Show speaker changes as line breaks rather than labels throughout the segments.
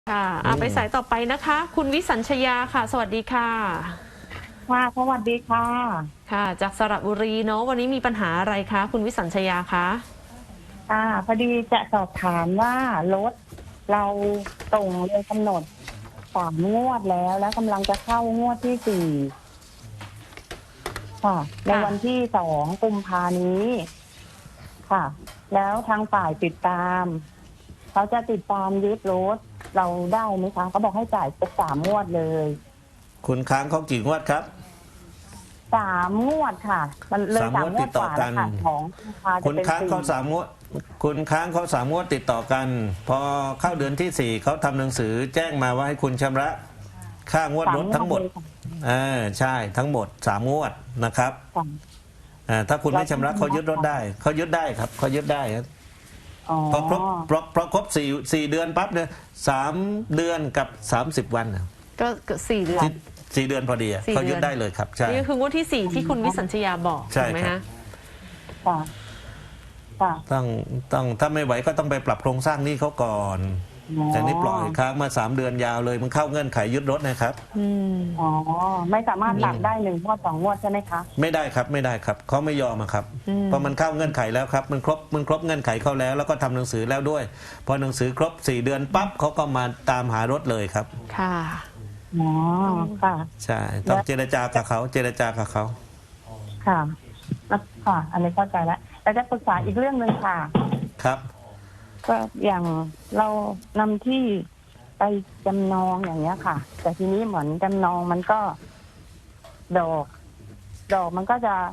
ค่ะไปสายต่อไปนะคะ คุณวิสัญชยาค่ะ สวัสดีค่ะ
ค่ะสวัสดีค่ะ
ค่ะ จากสระบุรีเนาะวันนี้มีปัญหาอะไรคะคุณวิสัญชยาคะ
พอดีจะสอบถามว่ารถเราส่งเลยกำหนด3 งวดแล้วกำลังจะเข้างวดที่4ค่ะ ในวันที่2 กุมภานี้ค่ะ แล้วทางฝ่ายติดตามเขาจะติดตามยึดรถเราได้ไหมคะเขาบอกให้จ่ายครบ3 งวดเลย
คุณค้างเขากี่งวดครับ
3 งวดค่ะ มันเลย
3 งวดติดต่อกัน
ของจะ
คุณ
เป็น
ค้างเขา
4
3 งวดคุณค้างเขา3 งวดติดต่อกัน พอเข้าเดือนที่4เขาทำหนังสือแจ้งมาว่าให้คุณชำระค่างวดรถทั้งหมดใช่ทั้งหมด3 งวดนะครับถ้าคุณไม่ชำระเขายึดรถได้เขายึดได้ครับเขายึดได้ครับพอครบ4 เดือนปั๊บเนี่ย3 เดือนกับ30 วัน
ก็4 เดือน
4 เดือนพอดีเขายึดได้เลยครับใช่
นี่คืองวดที่4ที่คุณวิสัญชยาบอกใช่ไหมคะ
ต้องถ้าไม่ไหวก็ต้องไปปรับโครงสร้างหนี้เขาก่อนแต่นี่ปล่อยค้างมา3 เดือนยาวเลยมันเข้าเงื่อนไขยึดรถนะครับ
ไม่สามารถหลักได้1 งวด 2 งวดใช่ไหมคะ
ไม่ได้ครับไม่ได้ครับเขาไม่ยอมครับเพราะมันเข้าเงื่อนไขแล้วครับมันครบเงื่อนไขเขาแล้วก็ทำหนังสือแล้วด้วยพอหนังสือครบ4 เดือนปั๊บเขาก็มาตามหารถเลยครับ
ค่ะ
ค่ะ
ใช่ต้องเจรจากับเขา
ค่ะอันนี้เข้าใจแล้วแต่จะปรึกษาอีกเรื่องนึงค่ะ
ครับ
ก็อย่างเรานำที่ไปจำนองอย่างเงี้ยค่ะแต่ทีนี้เหมือนจำนองมันก็ดอกมันก็จะ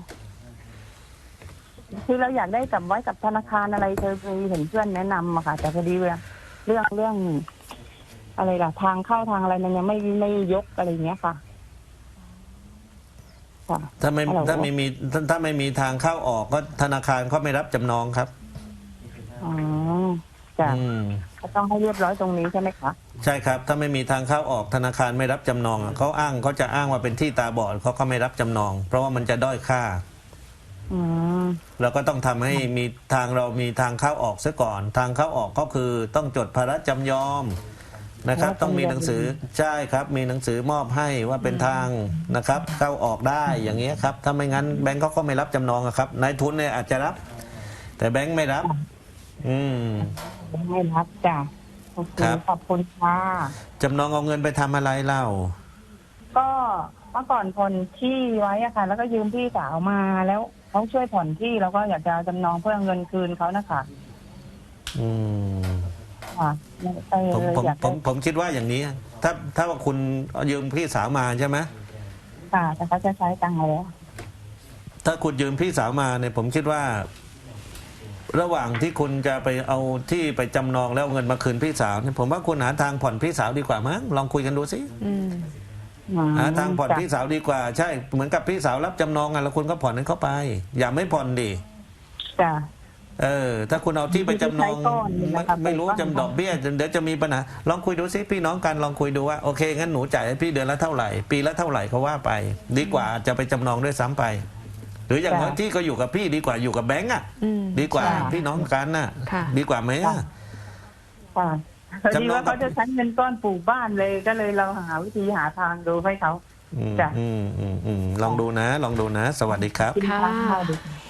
คือเราอยากได้กับไว้กับธนาคารอะไรเธอมีเห็นเพื่อนแนะนำอะค่ะแต่พอดีเรื่องอะไรล่ะทางเข้าทางอะไรมันยังไม่ยกอะไรเงี้ยค่ะ
ถ้าไม่มีทางเข้าออกก็ธนาคารเขาไม่รับจำนองครับ
จ้ะก็ต้องให้เรียบร้อยตรงนี้ใช่ไหมคะ
ใช่ครับถ้าไม่มีทางเข้าออกธนาคารไม่รับจำนองเขาจะอ้างว่าเป็นที่ตาบอดเขาก็ไม่รับจำนองเพราะว่ามันจะด้อยค่าเราก็ต้องทำให้มีเรามีทางเข้าออกซะก่อนทางเข้าออกก็คือต้องจดภาระจำยอมนะครับต้องมีหนังสือใช่ครับมีหนังสือมอบให้ว่าเป็นทางนะครับเข้าออกได้อย่างเงี้ยครับถ้าไม่งั้นแบงก์เขาก็ไม่รับจำนองครับนายทุนเนี่ยอาจจะรับแต่แบงก์ไม่รับ
ไม่รับจ้ะขอบคุณค่ะ
จำนองเอาเงินไปทำอะไรเล่า
ก็เมื่อก่อนผ่อนที่ไว้อะค่ะแล้วก็ยืมพี่สาวมาแล้วเขาช่วยผ่อนที่แล้วก็อยากจะจำนองเพื่อเงินคืนเขานะคะ
ผมคิดว่าอย่างนี้ถ้าว่าคุณยืมพี่สาวมาใช่ไหม
ค่ะแต่เขาจะใช้ตังค์แล้ว
ถ้าคุณยืมพี่สาวมาเนี่ยผมคิดว่าระหว่างที่คุณจะไปเอาที่ไปจำนองแล้วเงินมาคืนพี่สาวเนี่ยผมว่าคุณหาทางผ่อนพี่สาวดีกว่ามั้งลองคุยกันดูสิหาทางผ่อนพี่สาวดีกว่าใช่เหมือนกับพี่สาวรับจำนองแล้วคุณก็ผ่อนให้เขาไปอย่าไม่ผ่อนดิ
จ้ะ
ถ้าคุณเอาที่ไปจำนองไม่รู้จำดอกเบี้ยเดี๋ยวจะมีปัญหาลองคุยดูสิพี่น้องกันลองคุยดูว่าโอเคงั้นหนูจ่ายให้พี่เดือนละเท่าไหร่ปีละเท่าไหร่เขาว่าไปดีกว่าจะไปจำนองด้วยซ้ำไปหรืออย่างน้อยที่ก็อยู่กับพี่ดีกว่าอยู่กับแบงก์ดีกว่าพี่น้องกันดีกว่าไหม
จำนองเขาจะใช้เงินก้อนปลูกบ้านเลยก็เลยเราหาวิธีหาทางดูให้เขา
ลองดูนะสวัสดีครับ